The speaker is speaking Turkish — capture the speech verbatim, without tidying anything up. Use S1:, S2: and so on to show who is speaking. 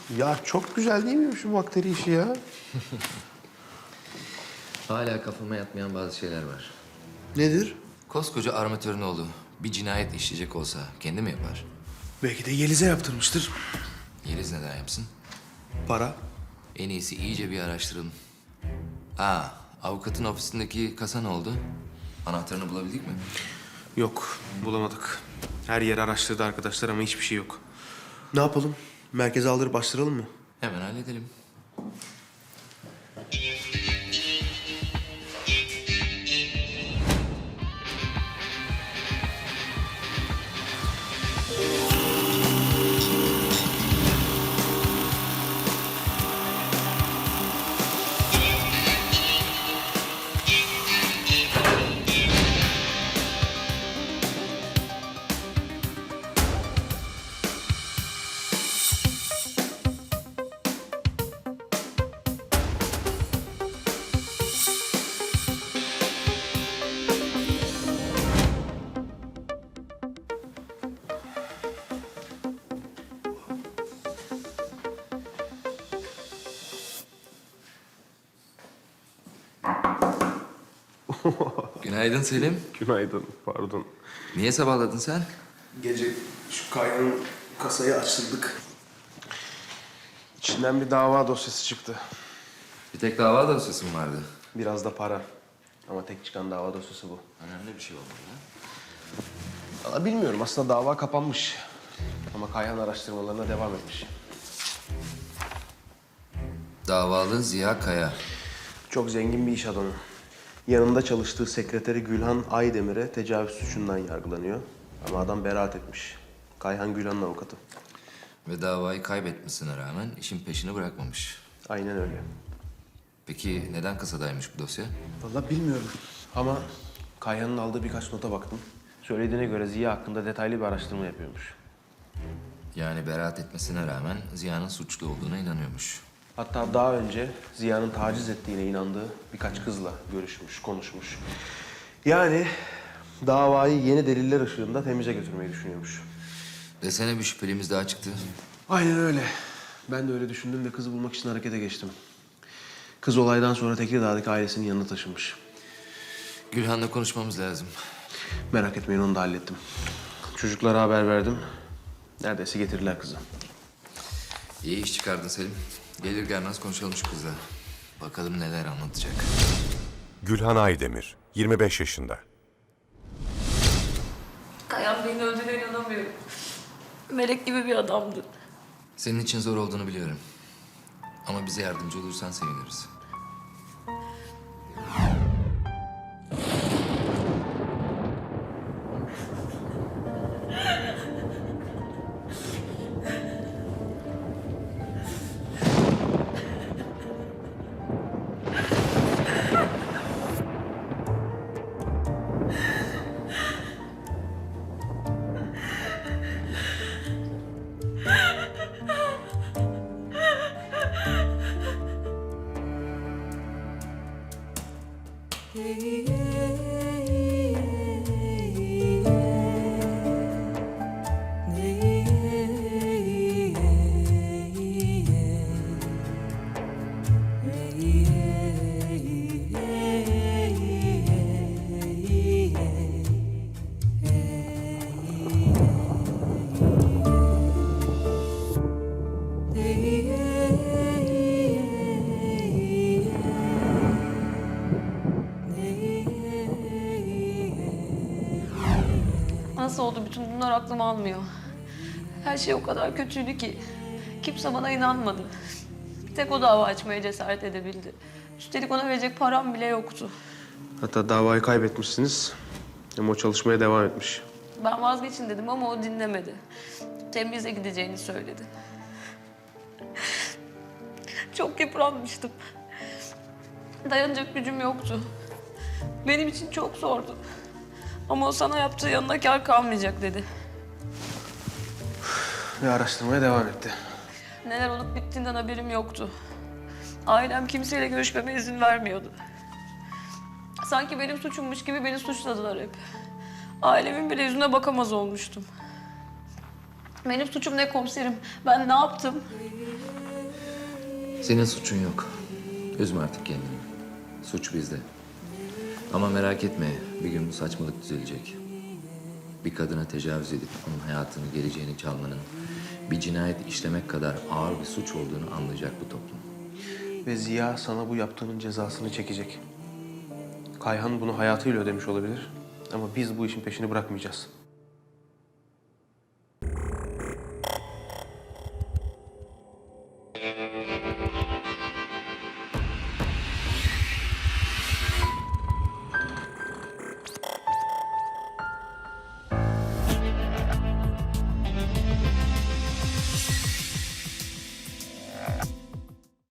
S1: Ya çok güzel değil mi şu bakteri işi ya?
S2: Hala kafama yatmayan bazı şeyler var.
S1: Nedir?
S2: Koskoca armatörün oğlu bir cinayet işleyecek olsa kendi mi yapar?
S1: Belki de Yeliz'e yaptırmıştır.
S2: Yeliz neden yapsın?
S1: Para.
S2: En iyisi iyice bir araştıralım. Aa, avukatın ofisindeki kasa ne oldu? Anahtarını bulabildik mi?
S1: Yok, bulamadık. Her yer araştırdı arkadaşlar ama hiçbir şey yok. Ne yapalım? Merkeze aldırıp bastıralım mı?
S2: Hemen halledelim. Günaydın Selim.
S1: Günaydın, pardon.
S2: Niye sabahladın sen?
S1: Gece şu Kayhan'ın kasayı açtırdık. İçinden bir dava dosyası çıktı.
S2: Bir tek dava dosyası mı vardı?
S1: Biraz da para. Ama tek çıkan dava dosyası bu.
S2: Önemli bir şey olmadı ha?
S1: Valla bilmiyorum, aslında dava kapanmış. Ama Kayhan araştırmalarına devam etmiş.
S2: Davalı Ziya Kaya.
S1: Çok zengin bir iş adamı. Yanında çalıştığı sekreteri Gülhan Aydemir'e tecavüz suçundan yargılanıyor. Ama adam beraat etmiş. Kayhan Gülhan'ın avukatı.
S2: Ve davayı kaybetmesine rağmen işin peşini bırakmamış.
S1: Aynen öyle.
S2: Peki neden kasadaymış bu dosya?
S1: Vallahi bilmiyorum. Ama Kayhan'ın aldığı birkaç nota baktım. Söylediğine göre Ziya hakkında detaylı bir araştırma yapıyormuş.
S2: Yani beraat etmesine rağmen Ziya'nın suçlu olduğuna inanıyormuş.
S1: Hatta daha önce Ziya'nın taciz ettiğine inandığı birkaç kızla görüşmüş, konuşmuş. Yani davayı yeni deliller ışığında temize götürmeyi düşünüyormuş.
S2: Desene bir şüphelimiz daha çıktı.
S1: Aynen öyle. Ben de öyle düşündüm ve kızı bulmak için harekete geçtim. Kız olaydan sonra Tekirdağ'daki ailesinin yanına taşınmış.
S2: Gülhan'la konuşmamız lazım.
S1: Merak etmeyin, onu da hallettim. Çocuklara haber verdim. Neredeyse getirdiler kızı.
S2: İyi iş çıkardın Selim. Gelir gelmez konuşalım şu kızla. Bakalım neler anlatacak.
S3: Gülhan Aydemir, yirmi beş yaşında.
S4: Kayan beni öldüğüne inanamıyorum. Melek gibi bir adamdı.
S2: Senin için zor olduğunu biliyorum. Ama bize yardımcı olursan seviniriz.
S4: Nasıl oldu bütün bunlar aklım almıyor. Her şey o kadar kötüydü ki. Kimse bana inanmadı. Bir tek o dava açmaya cesaret edebildi. Üstelik ona verecek param bile yoktu.
S1: Hatta davayı kaybetmişsiniz. Ama o çalışmaya devam etmiş.
S4: Ben vazgeçin dedim ama o dinlemedi. Tembize gideceğini söyledi. Çok yıpranmıştım. Dayanacak gücüm yoktu. Benim için çok zordu. Ama o sana yaptığı yanına kâr kalmayacak dedi.
S1: Ve araştırmaya devam etti.
S4: Neler olup bittiğinden haberim yoktu. Ailem kimseyle görüşmeme izin vermiyordu. Sanki benim suçummuş gibi beni suçladılar hep. Ailemin bile yüzüne bakamaz olmuştum. Benim suçum ne komiserim? Ben ne yaptım?
S2: Senin suçun yok. Üzme artık kendini. Suç bizde. Ama merak etme, bir gün bu saçmalık düzelecek. Bir kadına tecavüz edip onun hayatını, geleceğini çalmanın bir cinayet işlemek kadar ağır bir suç olduğunu anlayacak bu toplum.
S1: Ve Ziya sana bu yaptığının cezasını çekecek. Kayhan bunu hayatıyla ödemiş olabilir. Ama biz bu işin peşini bırakmayacağız.